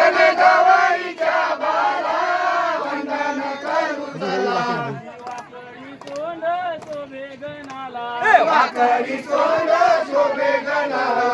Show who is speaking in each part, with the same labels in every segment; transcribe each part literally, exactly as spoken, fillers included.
Speaker 1: गणगौरीच्या बाला वंदन करू चला वाकडी सोंड शोभे गणाला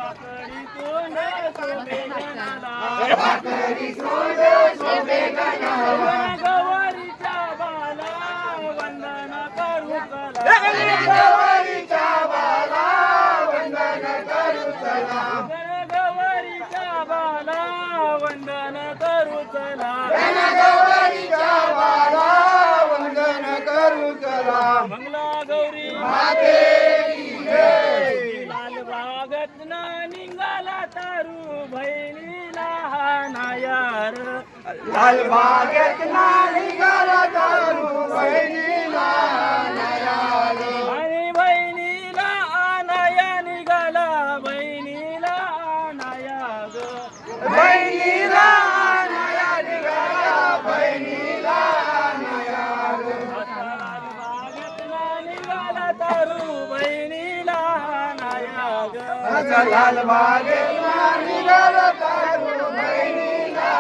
Speaker 1: वाकडी सोंड शोभे गणाला
Speaker 2: गणगौरीच्या बाला वंदन करू चला
Speaker 1: गणगौरीच्या बाला वंदन करू चला
Speaker 2: गणगौरीच्या बाला वंदन करू चला
Speaker 1: गणगौरीच्या बाला वंदन करू चला
Speaker 2: मंगला गौरी
Speaker 1: माते की जय
Speaker 2: लाल बागत ना निघाला तारू बहिणीला हा नायार
Speaker 1: लाल बागेत ना निघाला तारू बहिणीला नयाल
Speaker 2: आणि बहिणीला आनाया निघाला बहिणीला आनाया ग
Speaker 1: बहिणीला नया निघाला बहिणीला नयाल
Speaker 2: लाल बागत ना निघाला तारू बहिणीला आनाया ग
Speaker 1: लाल बागेत ना निघाला तारू बहिणीला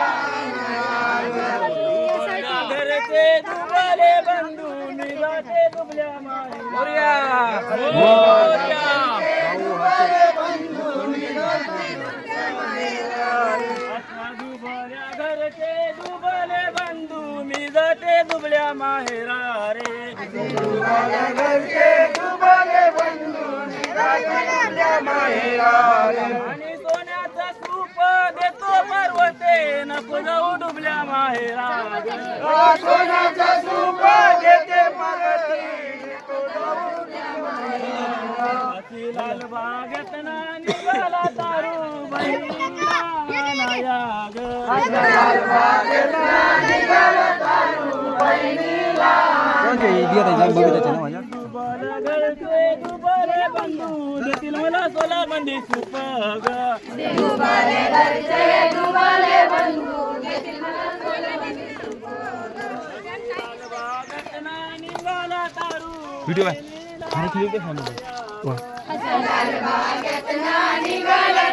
Speaker 2: घरचे दुबले बंधू निघाते दुबल्या माई मोरया दुबल्या घरचे दुबले बंधू मी जाते दुबल्या माहेरा रे
Speaker 1: घरचे दुबले बंधू निघाले माहेरा
Speaker 2: आणि सोन्याचं सूप देतो पर्वते नको जाऊ डुबल्या माहेरा
Speaker 1: सोन्याचा सूप देते परती
Speaker 2: लाल बागेत ना निघाला तारू बहिणीला नाया ग
Speaker 1: लाल बागेत ना निघाला तारू बहिणीला
Speaker 2: दुबल घरचे दुबले बंधू देतील मला सोला बंदी सूप ग
Speaker 3: दुबाले घरचे दुबाले बंधू देतील मला सोला बंदी सूप.
Speaker 2: लाल बागेत ना निघाला तारू
Speaker 4: व्हिडिओ आहे
Speaker 3: लाल बागेत ना निघाला